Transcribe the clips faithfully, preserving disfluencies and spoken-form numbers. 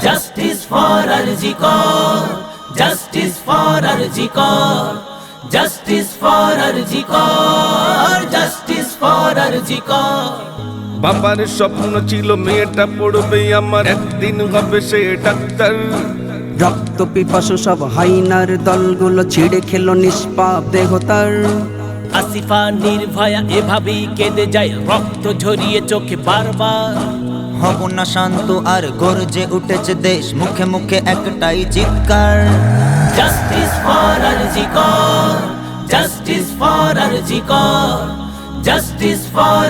Justice for RG Kar, justice for RG Kar, justice for RG Kar, justice for RG Kar. বাবার স্বপ্ন ছিল মেয়েটা পড়বে আমার, একদিন হবে সে ডাক্তার। রক্ত পিপাসু সব হাইনার দলগুলো ছিঁড়ে খেলো নিষ্পাপ দেহ তার। আসিফা নির্ভয়া এভাবেই কেঁদে যায়, রক্ত ঝরিয়ে চোখে বারবার। হব না শান্ত আর গর্জে উঠেছে দেশ, মুখে মুখে একটাই চিৎকার। Justice for RG Kar, justice for RG Kar, justice for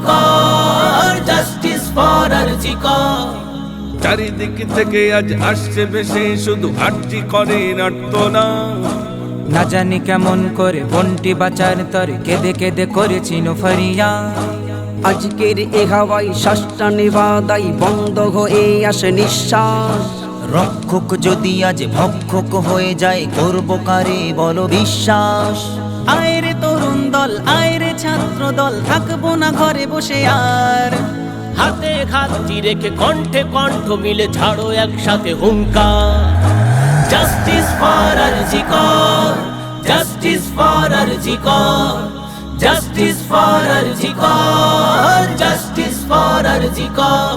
RG Kar, justice for RG Kar. চারিদিক থেকে আজ আসছে বেশি, শুধু আরজি করে নাট্যনা। না জানি কেমন করে বন্টি বাঁচার তরে কেঁদে কেঁদে করেছি ফরিয়া। আজকের এ হাওয়াই শ্বাসটা নেবাদাই বন্ধ হয়ে আসে নিঃশ্বাস। রক্ষক যদি আজ ভক্ষক হয়ে যায়, করবো কারে বলো বিশ্বাস। আয়রে তরুণ দল, আয়রে ছাত্র দল, থাকবো না ঘরে বসে আর। হাতে হাতটি রেখে কণ্ঠে কণ্ঠ মিলে ছাড়ো একসাথে হুঙ্কার। Justice for RG Kar, justice for RG Kar, justice for RG Kar, justice for RG Kar.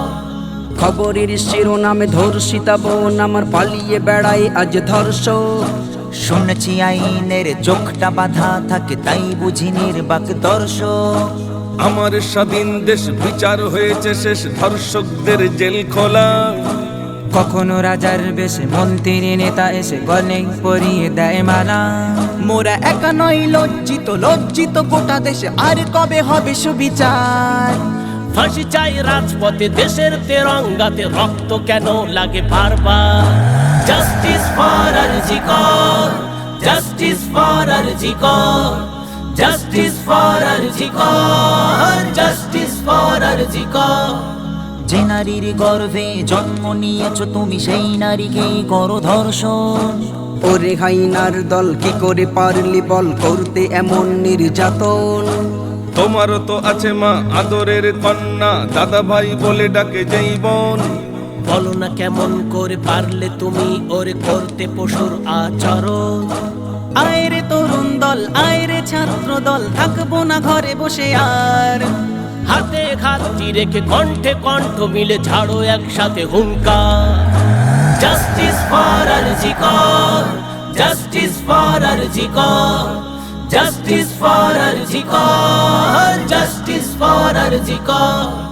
খবরের শিরোনামে ধর্ষিতা বোন আমার পালিয়ে বেড়ায় আজ ধর্ষক। শুনেছি আইনের চোখটা বাঁধা থাকে, তাই বুঝি নির্বাক দর্শক। আমার স্বাধীন দেশ বিচার হয়েছে শেষ, ধর্ষকদের জেল খোলা। কখনো রাজার বেশে মন্ত্রী নেতা এসে গলে পরিয়ে দেয় মালা। মোরা একা নয় লজ্জিত, লজ্জিত গোটা দেশে, আর কবে হবে সুবিচার। ফাঁসি চাই রাজপথে, দেশের তেরঙ্গাতে রক্ত কেন লাগে বারবার। Justice for RG Kar, justice for RG Kar, justice for RG Kar, justice for RG Kar. যে নারীর গর্ভে জন্ম নিয়েছো তুমি, সেই নারীকেই করো ধর্ষণ। ওরে হাইনার দল কি করে পারলি বল করতে এমন নির্যাতন। তোমারও তো আছে মা আদরের কন্যা, দাদা ভাই বলে ডাকে যেই বোন। বলো না কেমন করে পারলে তুমি ওরে করতে পশুর আচরণ। আয়রে তরুণ দল, আয়রে ছাত্র দল, থাকবো না ঘরে বসে আর। হাতে হাতটি রেখে কণ্ঠে কণ্ঠ মিলে ছাড়ো একসাথে হুঙ্কার। Justice for RG Kar, justice for RG Kar, justice for RG Kar, justice for RG Kar.